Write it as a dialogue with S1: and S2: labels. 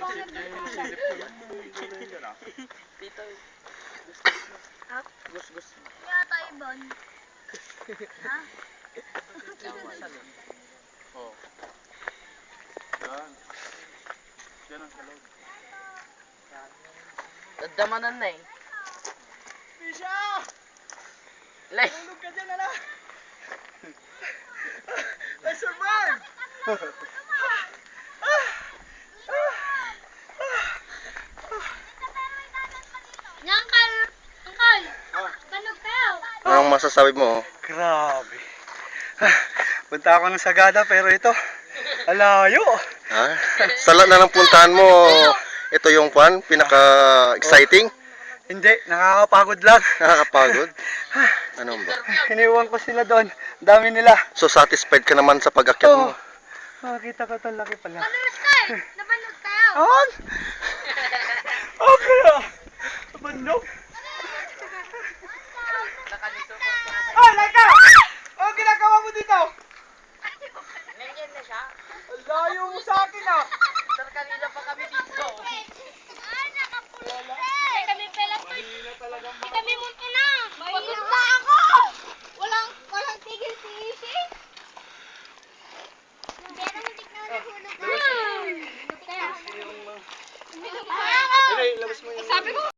S1: Tito.
S2: Ha?
S1: Gus.
S2: Kaya tayo, Bon. Ha?
S3: Oh. Yan. Yan ang salog.
S1: Dadamanan na eh.
S4: Pisha!
S1: Like.
S4: Tulog ka dyan, ala! I survived!
S2: Uncle! Uncle! Banog kayo!
S5: Anong masasabi mo?
S4: Grabe. Punta ako ng Sagada pero ito, alayo.
S5: Ha? Sa lahat na ng puntahan mo, ito yung pinaka-exciting?
S4: Hindi, nakakapagod lang.
S5: Nakakapagod? Ano ba?
S4: Iniwan ko sila doon. Dami nila.
S5: So satisfied ka naman sa pag-akyat mo?
S4: Makakita ko itong laki pala.
S2: Banog kayo! Nabanog kayo!
S4: On! Okay ah! Bandok! Oh, Laika! Ano ginagawa mo dito?
S1: Nandiyan na siya.
S4: Ang layo mo sa akin ah!
S1: Sir, kanina pa kami dito.
S2: Ay, nakapulot! Kami pala.
S4: Mahina talagang
S2: Kami mo